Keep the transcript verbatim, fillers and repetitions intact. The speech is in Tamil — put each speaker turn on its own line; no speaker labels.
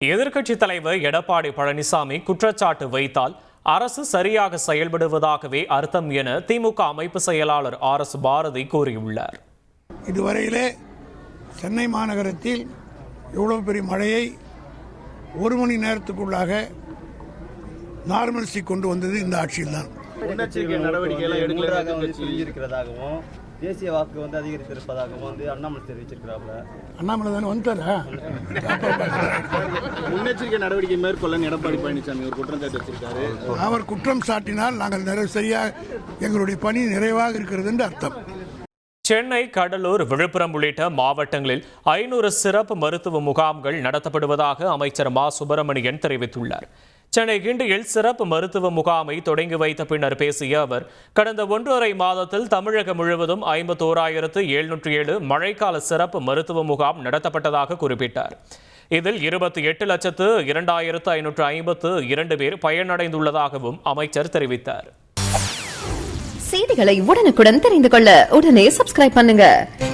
எதிர்க்கட்சித் தலைவர் எடப்பாடி பழனிசாமி குற்றச்சாட்டு வைத்தால் அரசு சரியாக செயல்படுவதாகவே அர்த்தம் என திமுக அமைப்பு செயலாளர் ஆர் எஸ் பாரதி கூறியுள்ளார்.
இதுவரையிலே சென்னை மாநகரத்தில் எவ்வளவு பெரிய மழையை ஒரு மணி நேரத்துக்குள்ளாக நார்மல்சி கொண்டு வந்தது இந்த ஆட்சியில் தான்.
இருக்கிறதாகவும் தேசிய வாக்கு வந்து அதிகரித்திருப்பதாகவும் வந்து அண்ணாமலை தெரிவிச்சிருக்கிறாங்க.
அண்ணாமலை தானே வந்துட்டாரா?
முன்னெச்சரிக்கை நடவடிக்கை மேற்கொள்ள எடப்பாடி பழனிசாமி ஒரு குற்றம் சாட்டி வச்சிருக்காரு.
அவர் குற்றம் சாட்டினால் நாங்கள் நிறைவு சரியாக எங்களுடைய பணி நிறைவாக இருக்கிறது என்று அர்த்தம்.
சென்னை, கடலூர், விழுப்புரம் உள்ளிட்ட மாவட்டங்களில் ஐநூறு சிறப்பு மருத்துவ முகாம்கள் நடத்தப்படுவதாக அமைச்சர் மா சுப்பிரமணியன் தெரிவித்துள்ளார். சென்னை கிண்டியில் சிறப்பு மருத்துவ முகாமை தொடங்கி வைத்த பின்னர் பேசிய அவர், கடந்த ஒன்றரை மாதத்தில் தமிழகம் முழுவதும் ஐம்பத்தோராயிரத்து எழுநூற்றி ஏழு மழைக்கால சிறப்பு மருத்துவ முகாம் நடத்தப்பட்டதாக குறிப்பிட்டார். இதில் இருபத்தி எட்டு லட்சத்து இரண்டாயிரத்து ஐநூற்று ஐம்பத்து இரண்டு பேர் பயனடைந்துள்ளதாகவும் அமைச்சர் தெரிவித்தார்.
செய்திகளை உடனுக்குடன் தெரிந்து கொள்ள உடனே சப்ஸ்கிரைப் பண்ணுங்க.